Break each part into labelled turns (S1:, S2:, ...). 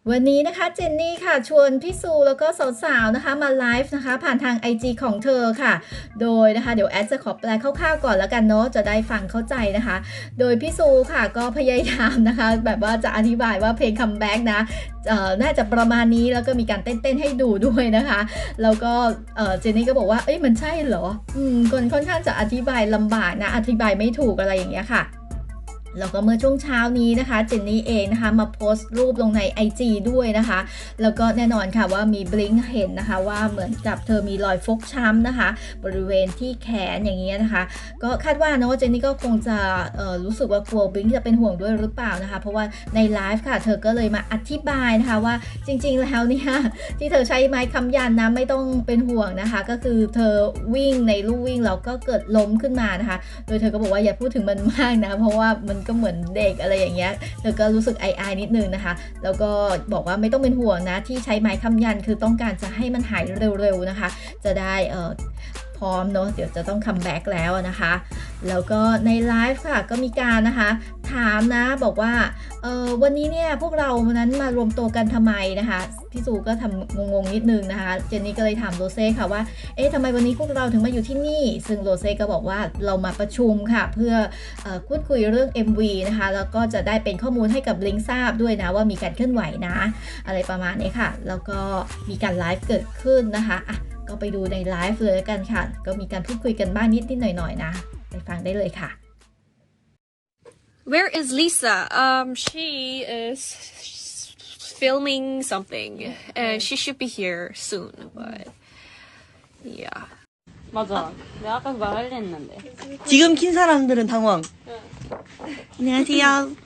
S1: วันนี้นะคะเจนนี่ค่ะชวนพี่ซูแล้วก็สาวๆนะคะมาไลฟ์นะคะผ่านทาง IG ของเธอค่ะโดยนะคะเดี๋ยวแอดจะขอแปลคร่าวๆก่อนแล้วกันเนาะจะได้ฟังเข้าใจนะคะโดยพี่ซูค่ะก็พยายามนะคะแบบว่าจะอธิบายว่าเพลงคัมแบ็กนะน่าจะประมาณนี้แล้วก็มีการเต้นๆให้ดูด้วยนะคะแล้วก็เจนนี่ก็บอกว่าเอ้ยมันใช่เหรอคนค่อนข้างจะอธิบายลำบากนะอธิบายไม่ถูกอะไรอย่างเงี้ยค่ะแล้วก็เมื่อช่วงเช้านี้นะคะเจนนี่เองนะคะมาโพสต์รูปลงใน IG ด้วยนะคะแล้วก็แน่นอนค่ะว่ามีบลิงก์เห็นนะคะว่าเหมือนกับเธอมีรอยฟกช้ำนะคะบริเวณที่แขนอย่างเงี้ยนะคะก็คาดว่านะว่าเจนนี่ก็คงจะรู้สึกว่ากลัวบลิงก์จะเป็นห่วงด้วยหรือเปล่านะคะเพราะว่าในไลฟ์ค่ะเธอก็เลยมาอธิบายนะคะว่าจริงๆแล้วเนี่ยที่เธอใช้ไม้ค้ำยันนะไม่ต้องเป็นห่วงนะคะก็คือเธอวิ่งในลู่วิ่งแล้วก็เกิดล้มขึ้นมานะคะโดยเธอก็บอกว่าอย่าพูดถึงมันมากนะเพราะว่ามันก็เหมือนเด็กอะไรอย่างเงี้ยเธอก็รู้สึกอายๆนิดนึงนะคะแล้วก็บอกว่าไม่ต้องเป็นห่วงนะที่ใช้ไม้ค้ำยันคือต้องการจะให้มันหายเร็วๆนะคะจะได้พร้อมเนาะเดี๋ยวจะต้องคัมแบ็กแล้วนะคะแล้วก็ในไลฟ์ค่ะก็มีการนะคะถามนะบอกว่าวันนี้เนี่ยพวกเรานั้นมารวมตัวกันทำไมนะคะพี่ซูก็ทำงงๆนิดนึงนะคะเจนนี่ก็เลยถามโรเซ่ค่ะว่าเอ๊ะทำไมวันนี้พวกเราถึงมาอยู่ที่นี่ซึ่งโรเซ่ก็บอกว่าเรามาประชุมค่ะเพื่อพูดคุยเรื่อง MV นะคะแล้วก็จะได้เป็นข้อมูลให้กับลิงทราบด้วยนะว่ามีการเคลื่อนไหวนะอะไรประมาณนี้ค่ะแล้วก็มีการไลฟ์เกิดขึ้นนะคะก็ไปดูในไลฟ์เลยกันค่ะก็มีการพูดคุยกันบ้างนิดๆหน่อยๆนะไปฟังได้เลยค่ะ
S2: Where is Lisa? She is filming something. She should be here soon, but yeah.
S3: 맞아. 내가 아까 말하려 했는데.
S4: 지금 킨 사람들은 당황. 안녕하세요.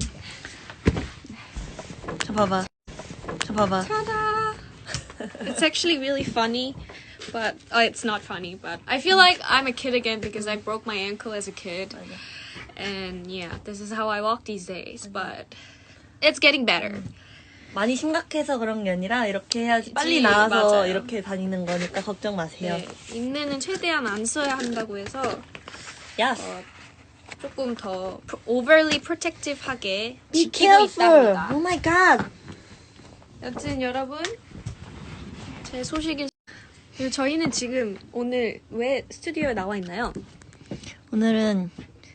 S4: 저 봐봐. 저 봐봐.
S2: Ta-da! It's actually really funny, but it's not funny. But I feel like I'm a kid again because I broke my ankle as a kid, and yeah, this is how I walk these days. But it's getting better.
S4: 많이 심각해서 그런 게 아니라 이렇게 해야지 빨리
S2: 그치,
S4: 나와서
S2: 맞아요.
S4: 이렇게 다니는 거니까 걱정 마세요.
S2: 네, 인내는 최대한 안 써야 한다고 해서
S4: Yes.
S2: 조금 더 overly protective하게
S4: Be
S2: 지키고
S4: careful.
S2: 있답니다.
S4: Oh my god.
S2: 여튼 여러분 제 소식이 그리고 저희는 지금 오늘 왜 스튜디오에 나와 있나요?
S4: 오늘은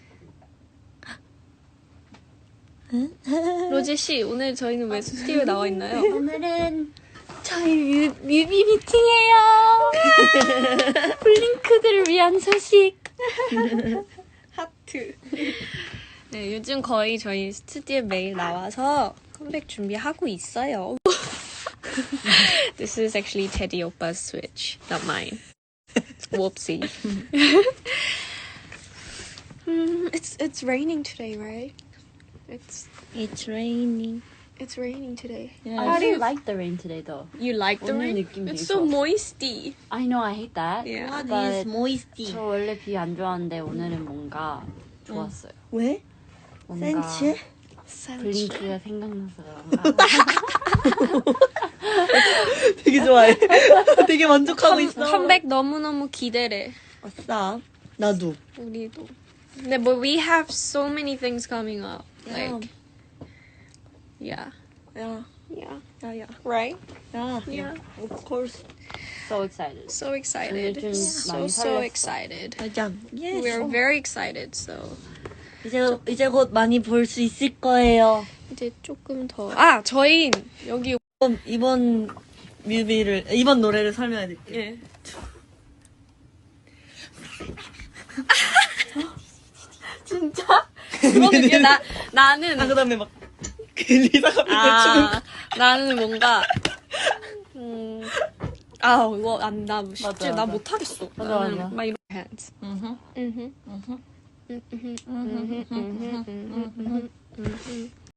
S2: 로제 씨 오늘 저희는 왜 스튜디오에 나와 있나요?
S3: 오늘은 저희 뮤비 미팅이에요. 블링크들을 위한 소식.
S2: 하트. 네 요즘 거의 저희 스튜디오에 매일 나와서 컴백 준비하고 있어요. This is actually Teddy Oppa's switch, not mine. Whoopsie. It's raining today, right?
S4: It's raining.
S2: It's raining today.
S4: Yeah.
S3: I do like the rain today though.
S2: You like the
S3: 오늘
S2: rain?
S3: 느낌
S2: It's
S3: 되게
S2: so
S3: 좋았어.
S2: moisty.
S3: I know I hate that.
S2: Yeah.
S4: What
S3: but
S4: is moisty?
S3: 저 원래 비 안 좋아하는데 오늘은 뭔가 좋았어요.
S4: 왜?
S3: 뭔가
S4: 센치?
S3: 블링크가 생각나서 그런가.
S4: 되게 좋아해. 되게 만족하고 있어.
S2: 컴백 너무너무 기대래.
S4: 아싸. 나도.
S2: 우리도. 근데 뭐 we have so many things coming up. Like yeah.
S4: 야,
S2: Yeah.
S4: 야, 야.
S2: Right?
S4: 야,
S2: Yeah.
S4: Of course.
S3: So excited.
S2: So excited.
S3: 요즘
S2: So
S3: 많이
S2: so
S3: 설렜어.
S2: excited.
S4: 맞아. Yes.
S2: We're very excited. So
S4: 이제 곧 많이 볼 수 있을 거예요.
S2: 이제 조금 더. 아, 저희 여기
S4: 이번 이번 노래를 설명해 드릴게요.
S2: 예. 진짜? 그러면 이게 나는
S4: 그다음에 막 리사가 춤을
S2: 나는 뭔가 이거 나 쉽지
S3: 맞아,
S2: 나
S3: 맞아.
S2: 못하겠어.
S3: 맞아,
S2: 나는
S3: 맞아.
S2: 막 이런 hands.